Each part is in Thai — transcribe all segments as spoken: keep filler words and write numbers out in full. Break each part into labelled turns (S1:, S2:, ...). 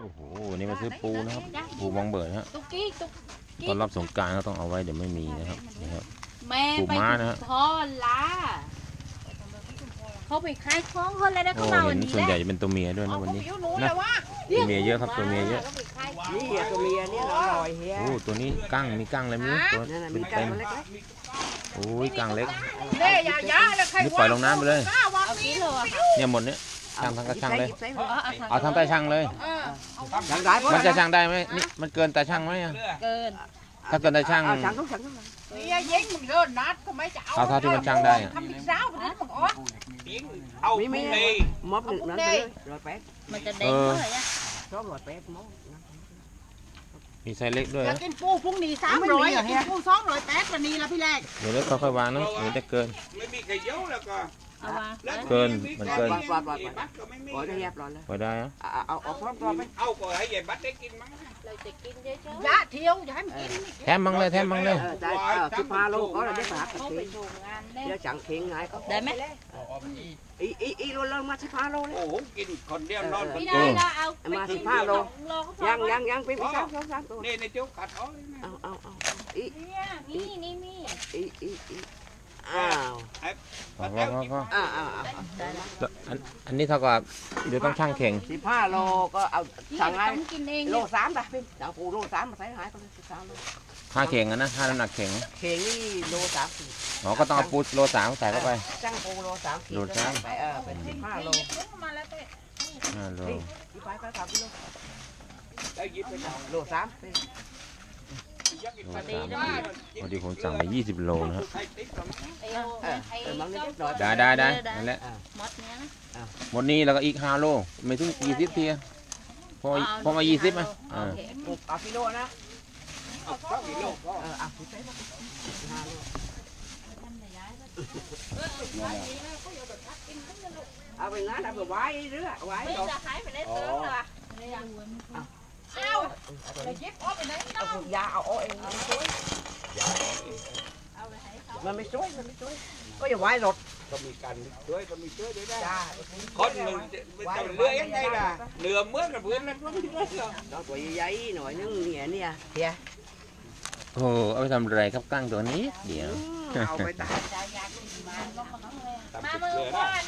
S1: โอ้โหนี่มาซื้อปูนะครับปูมองเบิดฮะตอนรับสงกรานต์ก็ต้องเอาไว้เดี๋ยวไม่มีนะครับนี่ครับปูม้านะฮะ
S2: พ่อละเขาไปขายของคนแล้วนะเขามาวันนี้
S1: ส่วนใหญ่จะเป็นตัวเมียด้วยนะวันนี้นะตัวเมียเยอะครับตัวเมียเยอะ
S3: นี่ตัวเมียนี่อร่อยเฮีย
S1: โอ้ตัวนี้กั้งมีกั้งอะไรไม่รู้ตัวเป็นเต็มโอ้ยกั้งเล็กนี่ปล่อยลงน้ำไปเลยเนี่ยหมดเนี้ยช่างทั้งกระช่างเลยเอาทั้งใต้ช่างเลยมันจะช่างได้ไหมนี่มันเกินแต่ช่างไหม
S2: เกิน
S1: ถ้าเกินแต่ช่างเอาเท่าที่มันช่างได้
S3: เอาไม่ไม่มอบหนึ่งนั่นเลยร้อยแปด
S2: มันจะเด้งเท่าไหร่อะ
S3: ชอบร้อยแปดมอบ
S1: มีไซส์เล็กด้วยนะ
S4: กินปูพรุ่งนี้สามร้อยกินปูสองร้อยแปดวันนี้ละพี่แรก
S1: เดี๋ยวเล็กค่อยๆวางนะเดี๋ยวจะเกิน
S5: ไม่มีใครเยอะแล้วก็
S1: เกินมันเกิน
S3: ปล่อยปล่อยปล่อยปล่อยได้แยบร้อยเลย
S1: ปล่อยได้ฮะ
S3: เอาเอาพร้อมพร้อมไหม
S5: เอาปล่อยให้ใหญ่บัดได้กินมั้ง
S2: เราจะกินเยอะ
S4: ๆยะเที่ยวอย่าให้มันกิน
S1: แถมมังเลยแถมมังเลย
S3: ได้สิบห้าโลก็ได้ฝากเดี๋ยวจังเข่งไงก็
S2: ได้ไหม
S3: อีอีอีโลละมาสิบห้าโลเลย
S5: โอ้โหกินคนเดียวนอน
S2: ไม่ได้ละเอา
S3: มาสิบห้าโลยังยังยังเป็นสามสองสามตัว
S5: นี่ในเจ้ากัดอ้อย
S3: เอาเอาเอาอี
S2: นี่นี่นี่
S3: อีอีอีอ้าว
S1: พอพอพอ
S3: อ้าวอ้าว
S1: อันนี้เท่ากับเดี๋ยวต้องช่างเข่ง
S3: สิบห้าโลก็เอาสั่งให้โลสามไปพี่เอาปูโลสามมาใส่หายไปสิบสามโล
S1: ค่าเข่งนะค่าน้ำหนักเข่ง
S3: เข่งนี่โลสาม
S1: อ๋อก็ต้องเอาปูโลสามใส่เข้าไป
S3: จ้างปูโลสาม
S1: โลสาม
S3: ไปเออเป็นสิบห้าโล
S1: ห้าโล
S3: ไปไปสามกิโล
S5: ได้ยิบไปเอา
S3: โลสาม
S1: พอดีผมสั่งไปยี่สิบโลนะครับได้ได้ได้นั่นแหละหมดนี้แล้วก็อีกห้าโลไม่ถึงยี่สิบทีพอพอมายี่สิบไหมอ่า
S3: เอากิโลนะ
S5: เอาสองกิโลก็
S3: เออเอาสิบห้าโลเอาไปงั้นเอาไปไว้เรื่อยไว้
S2: ดอกขายไปได้เติมเลย
S4: เอาไปเย็บออกไปไหน
S3: เอาพวกยาเอาเอาเองมันช่วยมันไม่ช่วยมันไม่ช่วยก็อย่าไว้รถ
S5: ก็มีการช่วยก็มีช่วยด้วยได้คนหนึ่งจะเลื่อยยังไงล่ะเหนือเมื่อกับเพื่อนนั่นก็ไม่ได้หรอก
S3: น้องตัวใหญ่หน่อยนึงเนี่ยเนี่ยเฮีย
S1: โอ้เอาไปทำอะไรครับกั้งตัวนี้เดี๋ยว
S3: เอาไปตาก
S2: มาเมื่อวาน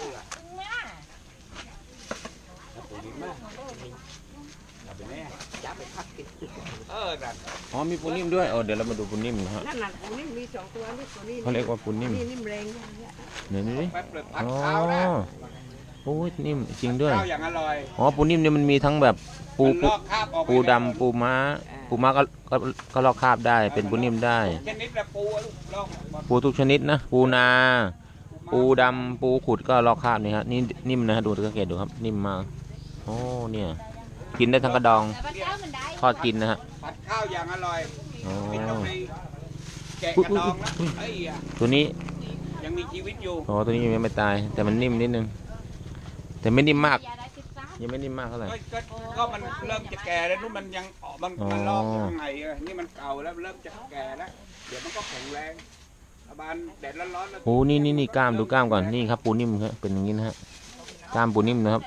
S1: อ๋อมีปูนิ่มด้วยเออเดี๋ยวเรามาดูปูนิ่มนะฮะ
S3: นั่นน่ะปูนิ่มมีสองตัวนี่ตัวนี้
S1: เขาเรียกว่าปูนิ่ม
S3: นิ่มแรง
S1: เนี่ยนี่ดิอ๋อโอ้ยนิ่มจริงด้วยอ๋อปูนิ่มเนี่ยมันมีทั้งแบบปูปูดำปูม้าปูม้าก็ก็ก็ลอกคราบได้เป็นปูนิ่มได้ปูทุกชนิดนะปูนาปูดำปูขุดก็ลอกคราบนี่ฮะนี่นิ่มนะฮะดูสังเกตดูครับนิ่มมากโอ้เนี่ยกินได้ทั้งกระดองทอดกินนะฮะ
S5: ผัดข้าวอย่างอร่อยแกะกระดองแล้ว
S1: ตัวนี้
S5: ยังมีชีวิตอยู่
S1: อ๋อตัวนี้ยังไม่ตายแต่มันนิ่มนิดนึงแต่ไม่นิ่มมากยังไม่นิ่มมากเท่าไหร่
S5: ก็มันเริ่มจะแก่แล้วนู่นมันยังมันมันลอกยังไงนี่มันเก่าแล้วเริ่มจะแก่แล้วเดี๋ยวมันก็แข็งแรงบานแดดร้อนๆ
S1: โอ้นี่นี่นี่กล้ามดูกล้ามก่อนนี่ครับปูนิ่มครับเป็นอย่างนี้นะฮะกล้ามปูนิ่มนะครับ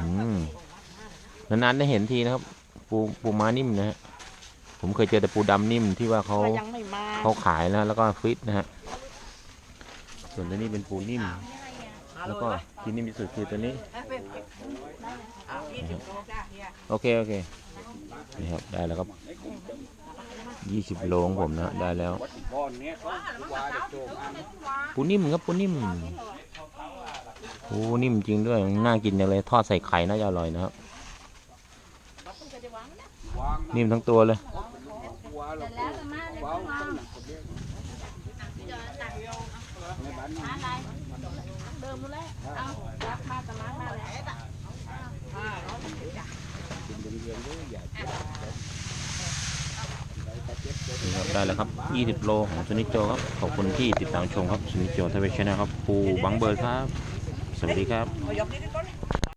S1: นานๆได้เห็นทีนะครับปูปูม้านิ่มนะฮะผมเคยเจอแต่ปูดำนิ่มที่ว่าเขาเขาขายนะแล้วก็ฟิตนะฮะส่วนตัวนี้เป็นปูนิ่มแล้วก็ที่นิ่มที่สุดคือตัวนี้โอเคโอเคนี่ครับได้แล้วครับยี่สิบโลของผมนะได้แล้วปูนิ่มครับปูนิ่มปูนิ่มจริงด้วยน่ากินอย่างเลยทอดใส่ไข่น่าจะอร่อยนะครับนิ่มทั้งตัวเลยได้แล้วครับยี่สิบโลของชนิดโจครับขอบคุณที่ติดตามชมครับชนิดโจทวีชแนลครับปูบังเบิร์ดครับสวัสดีครับ